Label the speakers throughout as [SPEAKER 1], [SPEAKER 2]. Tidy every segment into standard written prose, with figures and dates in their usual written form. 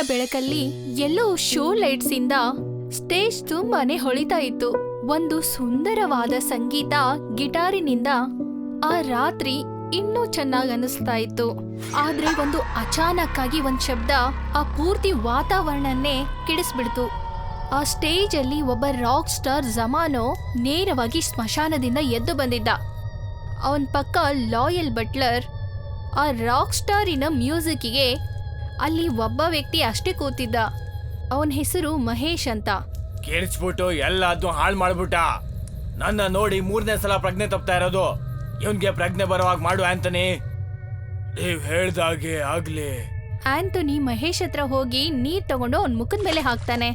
[SPEAKER 1] ಬೆಳಕಲ್ಲಿ ಎಲ್ಲೋ show lights ಇಂದ stage ತುಂಬಾನೇ ಹೊಳಿತಾ ಇತ್ತು. ಒಂದು ಸುಂದರವಾದ ಸಂಗೀತ ಗಿಟಾರಿನಿಂದ ಆ ರಾತ್ರಿ ಇನ್ನೂ ಚೆನ್ನಾಗಿ ಅನಿಸ್ತಾ ಇತ್ತು. ಆದ್ರೆ ಒಂದು ಅಚಾನಕ್ ಆಗಿ ಒಂದ್ ಶಬ್ದ ಆ ಪೂರ್ತಿ ವಾತಾವರಣನ್ನೇ ಕೆಡಿಸ್ಬಿಡ್ತು. ಆ ಸ್ಟೇಜ್ ಅಲ್ಲಿ ಒಬ್ಬ ರಾಕ್ ಸ್ಟಾರ್ ಜಮಾನೋ ನೇರವಾಗಿ ಸ್ಮಶಾನದಿಂದ ಎದ್ದು ಬಂದಿದ್ದ. ಅವನ್ ಪಕ್ಕ ಲಾಯಲ್ ಬಟ್ಲರ್. ಆ ರಾಕ್ ಸ್ಟಾರಿನ ಮ್ಯೂಸಿಕ್ಗೆ ಅಲ್ಲಿ ಒಬ್ಬ ವ್ಯಕ್ತಿ ಅಷ್ಟೇ ಕೂತಿದ್ದ. ಅವನ ಹೆಸರು ಮಹೇಶ್ ಅಂತ.
[SPEAKER 2] ಕೇಳಿಸ್ಬಿಟ್ಟು ಎಲ್ಲಾದ್ನೂ ಹಾಳು ಮಾಡ್ಬಿಟ್ಟ. ನನ್ನ ನೋಡಿ 3ನೇ ಸಲ ಪ್ರಜ್ಞೆ ತಪ್ತಾ ಇರೋದು. ಇವನ್ಗೆ ಪ್ರಜ್ಞೆ ಬರೋವಾಗ ಮಾಡು ಆಂಟನಿ. ನೀವ್ ಹೇಳ್ದಾಗೆ ಆಗ್ಲಿ.
[SPEAKER 1] ಆಂಟನಿ ಮಹೇಶ್ ಹತ್ರ ಹೋಗಿ ನೀರ್ ತಗೊಂಡು ಅವನ್ ಮುಖದ ಮೇಲೆ ಹಾಕ್ತಾನೆ.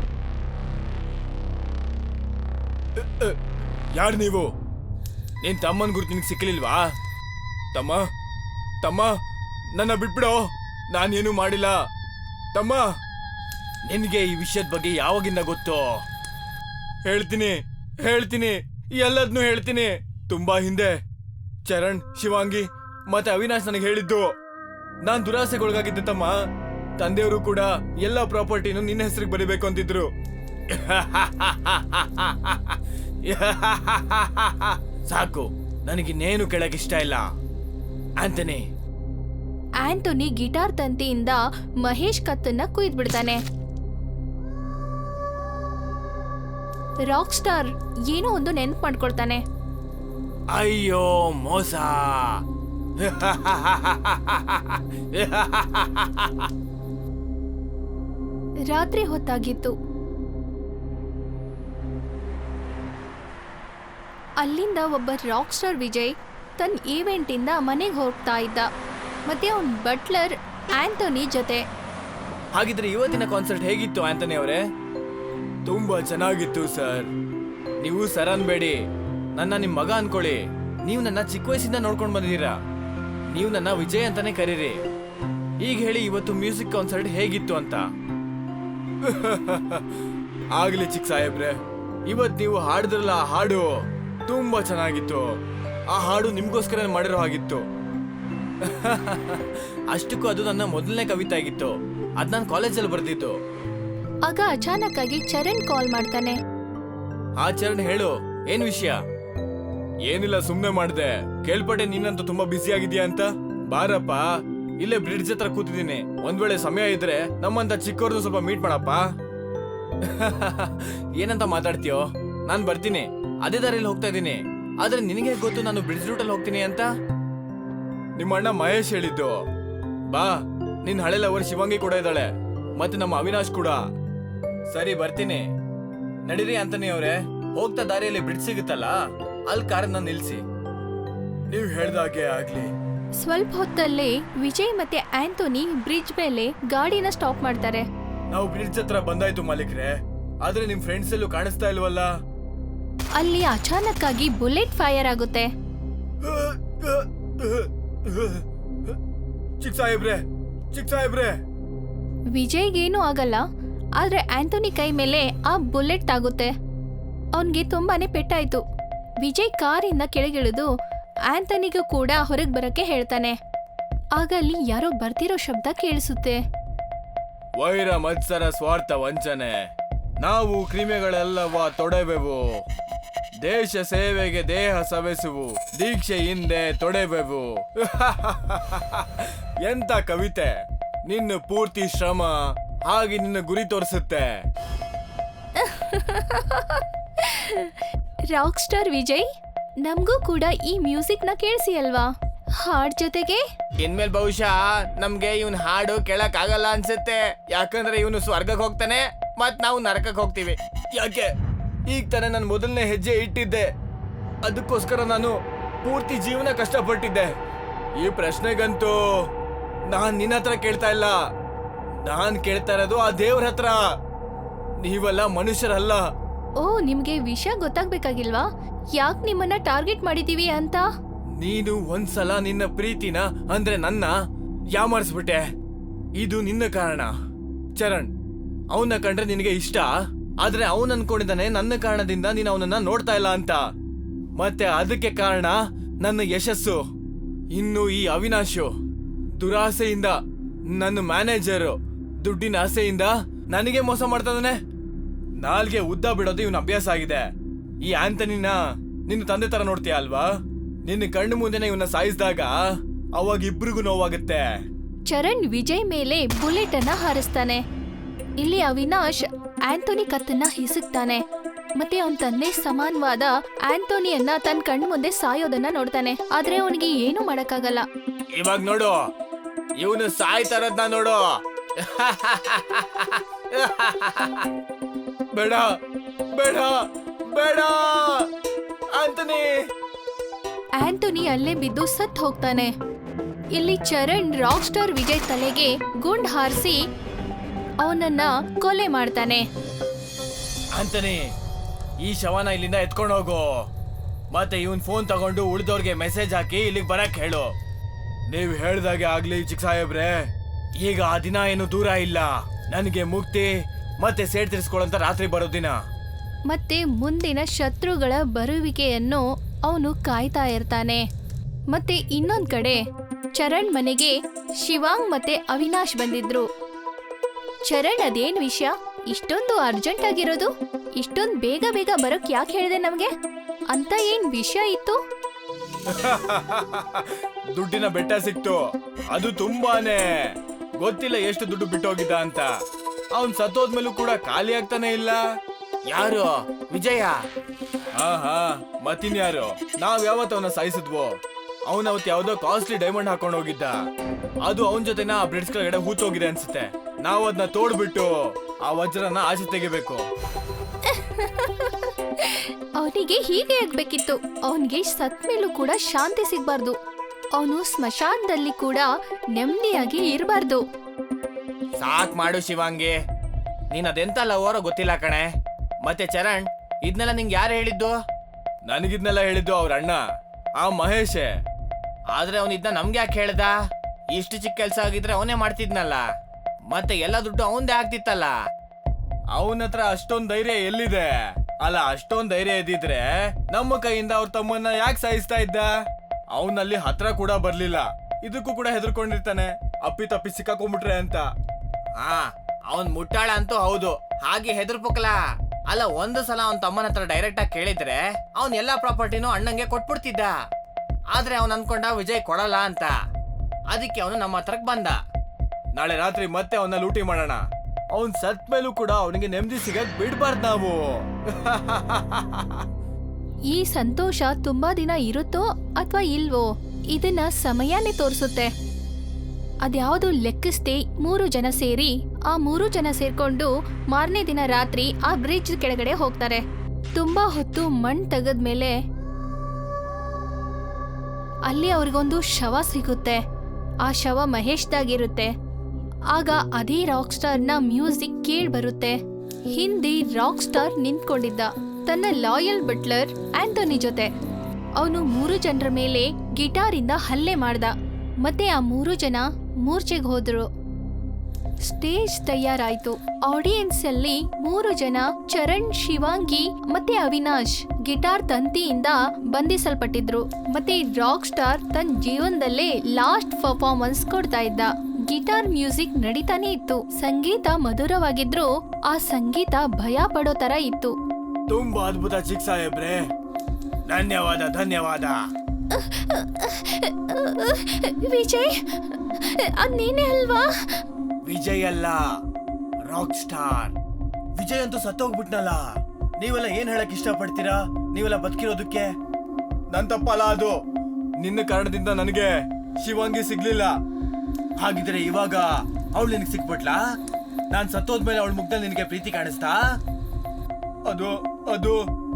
[SPEAKER 2] ಯಾರು ನೀವು? ನಿನ್ ತಮ್ಮನ್ ಗುರುತು ನಿನ್ಗೆ ಸಿಕ್ಕಲಿಲ್ವಾ? ತಮ್ಮ ತಮ್ಮ ನನ್ನ ಬಿಟ್ಬಿಡೋ, ನಾನೇನು ಮಾಡಿಲ್ಲ. ತಮ್ಮ, ನಿನ್ಗೆ ಈ ವಿಷಯದ ಬಗ್ಗೆ ಯಾವಾಗಿಂದ ಗೊತ್ತು? ಹೇಳ್ತೀನಿ ಎಲ್ಲದನ್ನೂ ಹೇಳ್ತೀನಿ. ತುಂಬಾ ಹಿಂದೆ ಚರಣ್, ಶಿವಾಂಗಿ ಮತ್ತೆ ಅವಿನಾಶ್ ನನಗೆ ಹೇಳಿದ್ದು. ನಾನ್ ದುರಾಸೆಗೊಳಗಾಗಿದ್ದೆ ತಮ್ಮ. ತಂದೆಯವರು ಕೂಡ ಎಲ್ಲ ಪ್ರಾಪರ್ಟಿನೂ ನಿನ್ನ ಹೆಸರಿಗೆ ಬರೀಬೇಕು ಅಂತಿದ್ರು. ಸಾಕು, ನನಗಿನ್ನೇನು ಕೇಳಕ್ ಇಷ್ಟ ಇಲ್ಲ.
[SPEAKER 1] ಆಂಟನಿ ಗಿಟಾರ್ ತಂತಿಯಿಂದ ಮಹೇಶ್ ಕತ್ತನ್ನ ಕುಯ್ದು ಬಿಡ್ತಾನೆ. ರಾಕ್ ಸ್ಟಾರ್ ಏನೋ ಒಂದು ನೆನ್ಪು ಮಾಡ್ಕೊಳ್ತಾನೆ.
[SPEAKER 2] ಅಯ್ಯೋ ಮೋಸ.
[SPEAKER 1] ರಾತ್ರಿ ಹೊತ್ತಾಗಿತ್ತು. ಅಲ್ಲಿಂದ ಒಬ್ಬ ರಾಕ್ ಸ್ಟಾರ್ ವಿಜಯ್ ತನ್ನ ಈವೆಂಟ್ ಇಂದ ಮನೆಗೆ ಹೋಗ್ತಾ ಇದ್ದ. ಮತ್ತೆ ಅವನ್ ಬಟ್ಲರ್ ಆಂಟನಿ ಜೊತೆ.
[SPEAKER 2] ಹಾಗಿದ್ರೆ ಇವತ್ತಿನ ಕಾನ್ಸರ್ಟ್ ಹೇಗಿತ್ತು ಆಂಟನಿ ಅವರೇ? ತುಂಬಾ ಚೆನ್ನಾಗಿತ್ತು ಸರ್. ನೀವು ಸರ್ ಅನ್ಬೇಡಿ, ನನ್ನ ನಿಮ್ ಮಗ ಅನ್ಕೊಳ್ಳಿ. ನೀವು ನನ್ನ ಚಿಕ್ಕ ವಯಸ್ಸಿಂದ ನೋಡ್ಕೊಂಡು ಬಂದಿದ್ದೀರಾ. ನೀವು ನನ್ನ ವಿಜಯ್ ಅಂತಾನೆ ಕರೀರಿ. ಈಗ ಹೇಳಿ, ಇವತ್ತು ಮ್ಯೂಸಿಕ್ ಕಾನ್ಸರ್ಟ್ ಹೇಗಿತ್ತು ಅಂತ. ಆಗ್ಲಿ ಚಿಕ್ಕ ಸಾಹೇಬ್ರೆ, ಇವತ್ ನೀವು ಹಾಡಿದ್ರಲ್ಲ ಆ ಹಾಡು ತುಂಬಾ ಚೆನ್ನಾಗಿತ್ತು. ಆ ಹಾಡು ನಿಮ್ಗೋಸ್ಕರ ಮಾಡಿರೋ ಹಾಗಿತ್ತು. ಅಷ್ಟಕ್ಕೂ ಅದು ನನ್ನ ಮೊದಲನೇ ಕವಿತೆ ಆಗಿತ್ತು. ಅದ್ ನಾನು ಕಾಲೇಜಲ್ಲಿ ಬರ್ದಿತ್ತು.
[SPEAKER 1] ಆಗ ಅಚಾನಕ್ ಆಗಿ ಚರಣ್ ಕಾಲ್ ಮಾಡ್ತಾನೆ.
[SPEAKER 2] ಆ ಚರಣ್, ಹೇಳು, ಏನ್ ವಿಷಯ? ಏನಿಲ್ಲ, ಸುಮ್ನೆ ಮಾಡ್ದೆ. ಕೇಳ್ಪಟ್ಟೆ ನೀನಂತೂ ತುಂಬಾ ಬ್ಯುಸಿ ಆಗಿದ್ಯಾ ಅಂತ. ಬಾರಪ್ಪ, ಇಲ್ಲೇ ಬ್ರಿಡ್ಜ್ ಹತ್ರ ಕೂತಿದ್ದೀನಿ. ಒಂದ್ ವೇಳೆ ಸಮಯ ಇದ್ರೆ ನಮ್ಮಂತ ಚಿಕ್ಕವ್ರದ್ದು ಸ್ವಲ್ಪ ಮೀಟ್ ಮಾಡಪ್ಪ. ಏನಂತ ಮಾತಾಡ್ತೀಯೋ? ನಾನ್ ಬರ್ತೀನಿ, ಅದೇ ದಾರಿಯಲ್ಲಿ ಹೋಗ್ತಾ ಇದ್ದೀನಿ. ಆದ್ರೆ ನಿನಗೆ ಗೊತ್ತು ನಾನು ಬ್ರಿಡ್ಜ್ ರೂಟಲ್ಲಿ ಹೋಗ್ತೀನಿ ಅಂತ. ನಿಮ್ಮ ಅಣ್ಣ ಮಹೇಶ್ ಹೇಳಿದ್ದು. ಬಾ, ನಿನ್ ಹಳೆ ಲವರ್ ಶಿವಾಂಗಿ ಕೂಡ ಇದ್ದಾಳೆ, ಮತ್ತೆ ನಮ್ಮ ಅವಿನಾಶ್ ಕೂಡ. ಸರಿ, ಬರ್ತೀನಿ. ನಡೀರಿ ಆಂಟನಿ ಅವರೇ, ಹೋಗ್ತಾ ದಾರಿಯಲ್ಲಿ ಬ್ರಿಡ್ಜ್ ಸಿಗುತ್ತಲ್ಲ, ಅಲ್ಲಿ ಕಾರನ್ನ ನಿಲ್ಸಿ. ನೀವ್ ಹೇಳ್ದಾಗೆ ಆಗ್ಲಿ.
[SPEAKER 1] ಸ್ವಲ್ಪ ಹೊತ್ತಲ್ಲೇ ವಿಜಯ್ ಮತ್ತೆ ಆಂಟನಿ ಬ್ರಿಡ್ಜ್ ಮೇಲೆ ಗಾಡಿನ ಸ್ಟಾಪ್ ಮಾಡ್ತಾರೆ.
[SPEAKER 2] ನಾವು ಬ್ರಿಡ್ಜ್ ಹತ್ರ ಬಂದಾಯ್ತು ಮಾಲೀಕ್ರೆ, ಆದ್ರೆ ನಿಮ್ ಫ್ರೆಂಡ್ಸ್ ಎಲ್ಲೂ ಕಾಣಿಸ್ತಾ ಇಲ್ವಲ್ಲ.
[SPEAKER 1] ಅಲ್ಲಿ ಅಚಾನಕ್ ಆಗಿ ಬುಲೆಟ್ ಫೈರ್ ಆಗುತ್ತೆ.
[SPEAKER 2] ಚಿಕ್ಕ ಸಾಹೇಬ್ರೆ.
[SPEAKER 1] ವಿಜಯ್ಗೇನು ಆಗಲ್ಲ, ಆದ್ರೆ ಆಂಟನಿ ಕೈ ಮೇಲೆ ಆ ಬುಲೆಟ್ ಆಗುತ್ತೆ. ಅವನ್ಗೆ ತುಂಬಾನೇ ಪೆಟ್ಟಾಯ್ತು. ವಿಜಯ್ ಕಾರಿಂದ ಕೆಳಗಿಳಿದು ಆಂಟನಿಗೂ ಕೂಡ ಹೊರಗೆ ಬರಕ್ಕೆ ಹೇಳ್ತಾನೆ. ಆಗ ಅಲ್ಲಿ ಯಾರೋ ಬರ್ತಿರೋ ಶಬ್ದ ಕೇಳಿಸುತ್ತೆ.
[SPEAKER 2] ವೈರ ಮತ್ಸರ ಸ್ವಾರ್ಥ ವಂಚನೆ, ನಾವು ಕ್ರಿಮಿಗಳೆಲ್ಲವ ತೊಡೆವೆವು. ದೇಶ ಸೇವೆಗೆ ದೇಹ ಸವೆಸುವು, ದೀಕ್ಷೆ ಹಿಂದೆ ತೊಡೆವೆವು. ಎಂತ ಕವಿತೆ! ನಿನ್ನ ಪೂರ್ತಿ ಶ್ರಮ ಹಾಗೆ ನಿನ್ನ ಗುರಿ ತೋರಿಸುತ್ತೆ.
[SPEAKER 1] ರಾಕ್ ಸ್ಟಾರ್ ವಿಜಯ್, ನಮಗೂ ಕೂಡ ಈ ಮ್ಯೂಸಿಕ್ ನ ಕೇಳಿಸಿ ಅಲ್ವಾ? ಹಾಡ್ ಜೊತೆಗೆ
[SPEAKER 2] ಇನ್ಮೇಲೆ ಬಹುಶಃ ನಮ್ಗೆ ಇವನ್ ಹಾಡು ಕೇಳಕ್ ಆಗಲ್ಲ ಅನ್ಸುತ್ತೆ. ಯಾಕಂದ್ರೆ ಇವನು ಸ್ವರ್ಗಕ್ಕೆ ಹೋಗ್ತಾನೆ, ಮತ್ ನಾವು ನರಕಕ್ಕೆ ಹೋಗ್ತೀವಿ. ಯಾಕೆ? ಈಗ ತಾನೇ ನಾನು ಮೊದಲನೇ ಹೆಜ್ಜೆ ಇಟ್ಟಿದ್ದೆ. ಅದಕ್ಕೋಸ್ಕರ ನಾನು ಪೂರ್ತಿ ಜೀವನ ಕಷ್ಟಪಟ್ಟಿದ್ದೆ. ಈ ಪ್ರಶ್ನೆಗಂತೂ ನಾನ್ ನಿನ್ನ ಹತ್ರ ಕೇಳ್ತಾ ಇಲ್ಲ, ನಾನ್ ಕೇಳ್ತಾ ಇರೋದು ಆ ದೇವ್ರ ಹತ್ರ. ನೀವೆಲ್ಲ ಮನುಷ್ಯರಲ್ಲ.
[SPEAKER 1] ಓ, ನಿಮ್ಗೆ ವಿಷಯ ಗೊತ್ತಾಗ್ಬೇಕಾಗಿಲ್ವಾ ಯಾಕೆ ನಿಮ್ಮನ್ನ ಟಾರ್ಗೆಟ್ ಮಾಡಿದೀವಿ ಅಂತ?
[SPEAKER 2] ನೀನು ಒಂದ್ಸಲ ನಿನ್ನ ಪ್ರೀತಿನ ಅಂದ್ರೆ ನನ್ನ ಯಾಮಾರಿಸ್ಬಿಟ್ಟೆ. ಇದು ನಿನ್ನ ಕಾರಣ. ಚರಣ್, ಅವನ್ನ ಕಂಡ್ರೆ ನಿನಗೆ ಇಷ್ಟ, ಆದ್ರೆ ಅವನ್ ಅನ್ಕೊಂಡಿದ್ದಾನೆ ನನ್ನ ಕಾರಣದಿಂದ ನೀನು ಅವನನ್ನ ನೋಡ್ತಾ ಇಲ್ಲ ಅಂತ. ಮತ್ತೆ ಅದಕ್ಕೆ ಕಾರಣ ನನ್ನ ಯಶಸ್ಸು. ಇನ್ನು ಈ ಅವಿನಾಶು ದುರಾಸೆಯಿಂದ ನನ್ನ ಮ್ಯಾನೇಜರು ದುಡ್ಡಿನ ಆಸೆಯಿಂದ ನನಗೆ ಮೋಸ ಮಾಡ್ತಾನೆ. ನಾಲ್ಗೆ ಉದ್ದ ಬಿಡೋದು ಇವನ ಅಭ್ಯಾಸ ಆಗಿದೆ. ಈ ಆಂಟನಿನ ನಿನ್ನ ತಂದೆ ತರ ನೋಡ್ತೀಯ ಅಲ್ವಾ? ನಿನ್ನ ಕಣ್ಣು ಮುಂದೆನೆ ಇವನ್ನ ಸಾಯಿಸಿದಾಗ ಅವಾಗ ಇಬ್ರಿಗೂ ನೋವಾಗುತ್ತೆ.
[SPEAKER 1] ಚರಣ್ ವಿಜಯ್ ಮೇಲೆ ಬುಲೆಟ್ ಅನ್ನ ಹಾರಿಸ್ತಾನೆ. ಇಲ್ಲಿ ಅವಿನಾಶ್ ಆಂಟೋನಿ ಕತ್ತನ್ನ ಹಿಸುಕ್ತಾನೆ. ಮತ್ತೆ ಅವನ ತಂದೆ ಸಮಾನವಾದ ಆಂಟೋನಿಯನ್ನ ತನ್ನ ಕಣ್ಣು ಮುಂದೆ ಸಾಯೋದನ್ನ ನೋಡ್ತಾನೆ. ಆದ್ರೆ ಅವನಿಗೆ ಏನು ಮಾಡಕ್ಕಾಗಲ್ಲ.
[SPEAKER 2] ಇವಾಗ ನೋಡು, ಇವನು ಸಾಯ್ತಾರದ್ನ ನೋಡು. ಬೇಡ ಬೇಡ ಬೇಡ ಆಂಟನಿ.
[SPEAKER 1] ಆಂಟೋನಿ ಅಲ್ಲೇ ಬಿದ್ದು ಸತ್ ಹೋಗ್ತಾನೆ. ಇಲ್ಲಿ ಚರಣ್ ರಾಕ್ ಸ್ಟಾರ್ ವಿಜಯ್ ತಲೆಗೆ ಗುಂಡ್ ಹಾರಿಸಿ ಅವನನ್ನ ಕೊಲೆ ಮಾಡ್ತಾನೆ.
[SPEAKER 2] ಆಂಟನಿ, ಈ ಶವನ ಇಲ್ಲಿಂದ ಎತ್ಕೊಂಡು ಹೋಗು. ಮತ್ತೆ ಇವನ್ ಫೋನ್ ತಗೊಂಡು ಉಳಿದವ್ರಿಗೆ ಮೆಸೇಜ್ ಹಾಕಿ ಇಲ್ಲಿಗೆ ಬರಕ್ ಹೇಳು. ನೀವು ಹೇಳ್ದಾಗೆ ಆಗ್ಲಿ ಚಿಕ್ಕ ಸಾಹೇಬ್ರೆ. ಈಗ ಆ ದಿನ ಏನು ದೂರ ಇಲ್ಲ. ನನಗೆ ಮುಕ್ತಿ ಮತ್ತೆ ಸೇಡ್ ತೀರಿಸ್ಕೊಳ್ಳೋಂತ ರಾತ್ರಿ ಬರೋ ದಿನ.
[SPEAKER 1] ಮತ್ತೆ ಮುಂದಿನ ಶತ್ರುಗಳ ಬರುವಿಕೆಯನ್ನು ಅವನು ಕಾಯ್ತಾ ಇರ್ತಾನೆ. ಮತ್ತೆ ಇನ್ನೊಂದ್ ಕಡೆ ಚರಣ್ ಮನೆಗೆ ಶಿವಾಂಗ್ ಮತ್ತೆ ಅವಿನಾಶ್ ಬಂದಿದ್ರು. ಚರಣ್, ಅದೇನ್ ವಿಷಯ? ಇಷ್ಟೊಂದು ಅರ್ಜೆಂಟ್ ಆಗಿರೋದು? ಇಷ್ಟೊಂದು ಬೇಗ ಬೇಗ ಬರೋಕ್ ಯಾಕೆ ಹೇಳಿದೆ ನಮ್ಗೆ? ಅಂತ ಏನ್ ವಿಷಯ ಇತ್ತು?
[SPEAKER 2] ದುಡ್ಡಿನ ಬೆಟ್ಟ ಸಿಕ್ತು. ಅದು ತುಂಬಾನೇ ಗೊತ್ತಿಲ್ಲ ಎಷ್ಟು ದುಡ್ಡು ಬಿಟ್ಟೋಗಿದ್ದ ಅಂತ. ಅವನ್ ಸತ್ತೋದ್ಮೇಲೂ ಕೂಡ ಖಾಲಿ ಆಗ್ತಾನೆ ಇಲ್ಲ. ಯಾರು? ವಿಜಯ? ಹಾ ಮತ್ತಿನ್ಯಾರು? ನಾವ್ ಯಾವತ್ತು ಅವನ ಸಾಯಿಸಿದ್ವೋ. ಅವನವತ್ತು ಯಾವ್ದೋ ಕಾಸ್ಟ್ಲಿ ಡೈಮಂಡ್ ಹಾಕೊಂಡು ಹೋಗಿದ್ದ. ಅದು ಅವನ ಜೊತೆನ ಆ ಬ್ರಿಡ್ಜ್ ಕೆಳಗಡೆ ಹೂತೋಗಿದೆ ಅನ್ಸುತ್ತೆ. ನಾವು ಅದನ್ನ ತೋಡ್ಬಿಟ್ಟು ಆ ವಜ್ರನ ಆಚೆ ತೆಗಿಬೇಕು.
[SPEAKER 1] ಅವನಿಗೆ ಹೀಗೆ ಆಗ್ಬೇಕಿತ್ತು. ಅವನಿಗೆ ಸತ್ ಮೇಲೂ ಕೂಡ ಶಾಂತಿ ಸಿಗ್ಬಾರ್ದು. ಅವನು ಸ್ಮಶಾನದಲ್ಲಿ ಕೂಡ ನೆಮ್ಮದಿಯಾಗಿ ಇರಬಾರ್ದು.
[SPEAKER 2] ಸಾಕ್ ಮಾಡು ಶಿವಾಂಗಿ, ನೀನ್ ಅದೆಂತ ಲವರೋ ಗೊತ್ತಿಲ್ಲ ಕಣೆ. ಮತ್ತೆ ಚರಣ್, ಇದನ್ನೆಲ್ಲ ನಿಂಗೆ ಯಾರು ಹೇಳಿದ್ದು? ನನಗಿದ್ನೆಲ್ಲ ಹೇಳಿದ್ದು ಅವ್ರ ಅಣ್ಣ, ಆ ಮಹೇಶೇ. ಆದ್ರೆ ಅವನ್ ಇದನ್ನ ನಮ್ಗೆ ಯಾಕೆ ಹೇಳ್ದ? ಇಷ್ಟು ಚಿಕ್ಕ ಕೆಲ್ಸ ಆಗಿದ್ರೆ ಅವನೇ ಮಾಡ್ತಿದ್ನಲ್ಲ. ಮತ್ತೆ ಎಲ್ಲ ದುಡ್ಡು ಅವಂದೇ ಆಗ್ತಿತ್ತಲ್ಲ. ಅವನ ಹತ್ರ ಅಷ್ಟೊಂದ್ ಧೈರ್ಯ ಎಲ್ಲಿದೆ? ಅಲ್ಲ, ಅಷ್ಟೊಂದ್ ಧೈರ್ಯ ಇದ್ದಿದ್ರೆ ನಮ್ಮ ಕೈಯಿಂದ ಅವ್ರ ತಮ್ಮನ್ನ ಯಾಕೆ ಸಾಯಿಸ್ತಾ ಇದ್ದ? ಅವನಲ್ಲಿ ಹತ್ರ ಕೂಡ ಬರ್ಲಿಲ್ಲ. ಇದಕ್ಕೂ ಕೂಡ ಹೆದರ್ಕೊಂಡಿರ್ತಾನೆ, ಅಪ್ಪಿ ತಪ್ಪಿ ಸಿಕ್ಕಾಕೊಂಡ್ಬಿಟ್ರೆ ಅಂತ. ಹಾ, ಅವನ್ ಮುಟ್ಟಾಳ ಅಂತೂ ಹೌದು. ಹಾಗೆ ಹೆದರ್ಪಕ್ಲ ಅಲ್ಲ. ಒಂದು ಸಲ ಅವನ್ ತಮ್ಮನ ಹತ್ರ ಡೈರೆಕ್ಟ್ ಆಗಿ ಕೇಳಿದ್ರೆ ಅವನ್ ಎಲ್ಲಾ ಪ್ರಾಪರ್ಟಿನೂ ಅಣ್ಣಂಗೆ ಕೊಟ್ಬಿಡ್ತಿದ್ದ. ಆದ್ರೆ ಅವನ್ ಅನ್ಕೊಂಡ ವಿಜಯ್ ಕೊಡಲ್ಲ ಅಂತ. ಅದಕ್ಕೆ ಅವನು ನಮ್ಮ ಹತ್ರಕ್ ಬಂದ. ನಾಳೆ ರಾತ್ರಿ ಮತ್ತೆ ಅವನ್ನ ಲೂಟಿ ಮಾಡೋಣ. ಅವನ್ ಸತ್ ಮೇಲೂ ಕೂಡ ಅವನಿಗೆ ನೆಮ್ಮದಿ ಸಿಗಕ್ ಬಿಡ್ಬಾರ್ದು ನಾವು.
[SPEAKER 1] ಈ ಸಂತೋಷ ತುಂಬಾ ದಿನ ಇರುತ್ತೋ ಅಥವಾ ಇಲ್ವೋ ಇದನ್ನ ಸಮಯನೇ ತೋರಿಸುತ್ತೆ. ಅದ್ಯಾವುದು ಲೆಕ್ಕಿಸ್ದೆ 3 ಜನ ಸೇರಿ ಆ 3 ಜನ ಸೇರ್ಕೊಂಡು ಮಾರನೇ ದಿನ ರಾತ್ರಿ ಆ ಬ್ರಿಡ್ಜ್ ಕೆಳಗಡೆ ಹೋಗ್ತಾರೆ. ತುಂಬಾ ಹೊತ್ತು ಮಣ್ಣು ತೆಗೆದ್ಮೇಲೆ ಅಲ್ಲಿ ಅವ್ರಿಗೊಂದು ಶವ ಸಿಗುತ್ತೆ. ಆ ಶವ ಮಹೇಶ್ದಾಗಿರುತ್ತೆ. ಆಗ ಅದೇ ರಾಕ್ ಸ್ಟಾರ್ನ ಮ್ಯೂಸಿಕ್ ಕೇಳಿ ಬರುತ್ತೆ. ಹಿಂದೆ ರಾಕ್ ಸ್ಟಾರ್ ನಿಂತ್ಕೊಂಡಿದ್ದ ತನ್ನ ಲಾಯಲ್ ಬಟ್ಲರ್ ಆಂಟೋನಿ ಜೊತೆ. ಅವನು 3 ಜನರ ಮೇಲೆ ಗಿಟಾರಿಂದ ಹಲ್ಲೆ ಮಾಡ್ದ. ಮತ್ತೆ ಆ 3 ಜನ ಮೂರ್ಛೆಗೆ ಹೋದ್ರು. ಸ್ಟೇಜ್ ತಯಾರಾಯ್ತು. ಆಡಿಯನ್ಸ್ ಅಲ್ಲಿ 3 ಜನ ಚರಣ್, ಶಿವಾಂಗಿ ಮತ್ತೆ ಅವಿನಾಶ್ ಗಿಟಾರ್ ತಂತಿಯಿಂದ ಬಂಧಿಸಲ್ಪಟ್ಟಿದ್ರು. ಮತ್ತೆ ರಾಕ್ ಸ್ಟಾರ್ ತನ್ನ ಜೀವನದಲ್ಲೇ ಲಾಸ್ಟ್ ಪರ್ಫಾರ್ಮೆನ್ಸ್ ಕೊಡ್ತಾ ಇದ್ದ. ಗಿಟಾರ್ ಮ್ಯೂಸಿಕ್ ನಡೀತಾನೆ ಇತ್ತು. ಸಂಗೀತ ಮಧುರವಾಗಿದ್ರು ಆ ಸಂಗೀತ ಭಯ ಪಡೋ ತರ ಇತ್ತು.
[SPEAKER 2] ತುಂಬಾ ಅದ್ಭುತ ಚಿಕ್ಕ ಸಾಹೇಬ್ರೆ, ಧನ್ಯವಾದ ಧನ್ಯವಾದ.
[SPEAKER 1] ವಿಜಯ್, ಅದ್ ನೀನೇ ಅಲ್ವಾ?
[SPEAKER 2] ವಿಜಯ್ ಅಲ್ಲ, ರಾಕ್ ಸ್ಟಾರ್. ವಿಜಯ್ ಅಂತೂ ಸತ್ತೋಗ್ಬಿಟ್ನಲ್ಲ. ನೀವೆಲ್ಲ ಏನ್ ಹೇಳಕ್ ಇಷ್ಟಪಡ್ತೀರಾ? ನೀವೆಲ್ಲ ಬದುಕಿರೋದಕ್ಕೆ ನನ್ ತಪ್ಪಲ್ಲ ಅದು. ನಿನ್ನ ಕಾರಣದಿಂದ ನನಗೆ ಶಿವಾಂಗಿ ಸಿಗ್ಲಿಲ್ಲ. ಹಾಗಿದ್ರೆ ಇವಾಗ ಅವಳು ನಿನಗೆ ಸಿಕ್ಬಿಟ್ಲಾ? ನಾನ್ ಸತ್ತೋದ್ಮೇಲೆ ಅವಳ ಮುಖದಲ್ಲಿ ನಿನಗೆ ಪ್ರೀತಿ ಕಾಣಿಸ್ತಾ? ಅದು ಅದು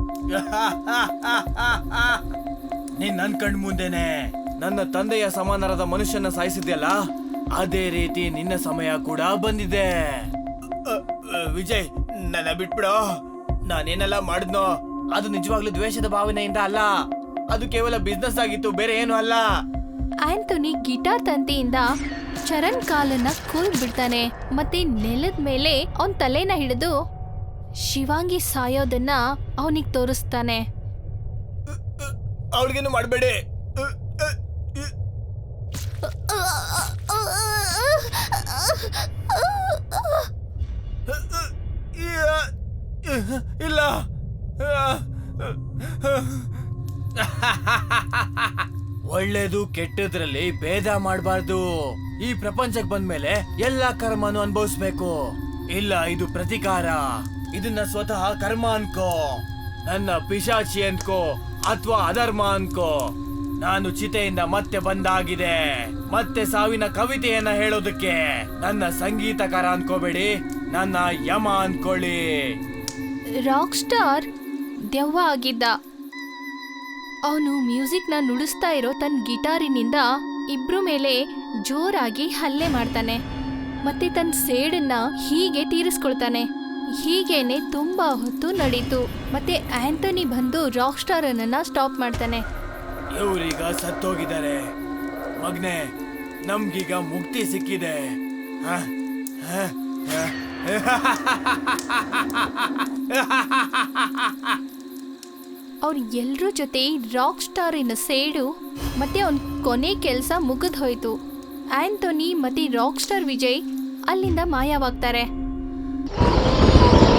[SPEAKER 2] ನೀನ್ ನನ್ ಕಣ್ ಮುಂದೆನೆ ನನ್ನ ತಂದೆಯ ಸಮಾನರಾದ ಮನುಷ್ಯನ ಸಾಯಿಸಿದ್ಯಲ್ಲ, ಅದೇ ರೀತಿ ನಿನ್ನ ಸಮಯ ಕೂಡ ಬಂದಿದೆ. ವಿಜಯ್, ನನ್ನ ಬಿಟ್ಬಿಡೋ. ನಾನೇನೆಲ್ಲ ಮಾಡಿದ್ನೋ ಅದು ನಿಜವಾಗ್ಲೂ ದ್ವೇಷದ ಭಾವನೆಯಿಂದ ಅಲ್ಲ. ಅದು ಕೇವಲ ಬಿಸ್ನೆಸ್ ಆಗಿತ್ತು, ಬೇರೆ ಏನು ಅಲ್ಲ.
[SPEAKER 1] ಆಂಟೋನಿ ಗಿಟಾರ್ ತಂತಿಯಿಂದ ಚರಣ್ ಕಾಲನ್ನ ಕೂಲ್ ಬಿಡ್ತಾನೆ. ಮತ್ತೆ ನೆಲದ ಮೇಲೆ ಅವನ್ ತಲೆನ ಹಿಡಿದು ಶಿವಾಂಗಿ ಸಾಯೋದನ್ನ ಅವನಿಗೆ ತೋರಿಸ್ತಾನೆ.
[SPEAKER 2] ಅವಳಿಗೇನು ಮಾಡಬೇಡಿ. ಇಲ್ಲ. ಒಳ್ಳೇದು ಕೆಟ್ಟದ್ರಲ್ಲಿ ಭೇದ ಮಾಡಬಾರ್ದು. ಈ ಪ್ರಪಂಚಕ್ಕೆ ಬಂದ್ಮೇಲೆ ಎಲ್ಲಾ ಕರ್ಮನು ಅನುಭವಿಸ್ಬೇಕು. ಇಲ್ಲ, ಇದು ಪ್ರತಿಕಾರ. ಇದನ್ನ ಸ್ವತಃ ಕರ್ಮ ಅನ್ಕೋ, ನನ್ನ ಪಿಶಾಚಿ ಅನ್ಕೋ ಅಥವಾ ಅಧರ್ಮ ಅನ್ಕೋ. ನಾನು ಚಿತೆಯಿಂದ ಮತ್ತೆ ಬಂದಾಗಿದೆ, ಮತ್ತೆ ಸಾವಿನ ಕವಿತೆಯನ್ನ ಹೇಳೋದಕ್ಕೆ. ನನ್ನ ಸಂಗೀತಕಾರ ಅನ್ಕೋಬೇಡಿ, ನನ್ನ ಯಮ ಅನ್ಕೊಳ್ಳಿ.
[SPEAKER 1] ರಾಕ್ ಸ್ಟಾರ್ ದೆವ್ವ ಆಗಿದ್ದ. ಅವನು ಮ್ಯೂಸಿಕ್ನ ನುಡಿಸ್ತಾ ಇರೋ ತನ್ನ ಗಿಟಾರಿನಿಂದ ಇಬ್ರು ಮೇಲೆ ಜೋರಾಗಿ ಹಲ್ಲೆ ಮಾಡ್ತಾನೆ ಮತ್ತೆ ತನ್ನ ಸೇಡನ್ನ ಹೀಗೆ ತೀರಿಸ್ಕೊಳ್ತಾನೆ. ಹೀಗೇನೆ ತುಂಬಾ ಹೊತ್ತು ನಡೀತು. ಮತ್ತೆ ಆಂಥೋನಿ ಬಂದು ರಾಕ್ ಸ್ಟಾರ್ ಅನ್ನ ಸ್ಟಾಪ್ ಮಾಡ್ತಾನೆ.
[SPEAKER 2] ಇವ್ರೀಗ ಸತ್ತೋಗಿದ್ದಾರೆ ಮಗ್ನೆ, ನಮ್ಗೀಗ ಮುಕ್ತಿ ಸಿಕ್ಕಿದೆ.
[SPEAKER 1] ಅವ್ರ ಎಲ್ರ ಜೊತೆ ರಾಕ್ ಸ್ಟಾರಿನ ಸೇಡು ಮತ್ತೆ ಅವನ ಕೊನೆ ಕೆಲಸ ಮುಗಿದ್ ಹೋಯ್ತು. ಆಂಥೋನಿ ಮತ್ತೆ ರಾಕ್ ಸ್ಟಾರ್ ವಿಜಯ್ ಅಲ್ಲಿಂದ ಮಾಯವಾಗ್ತಾರೆ.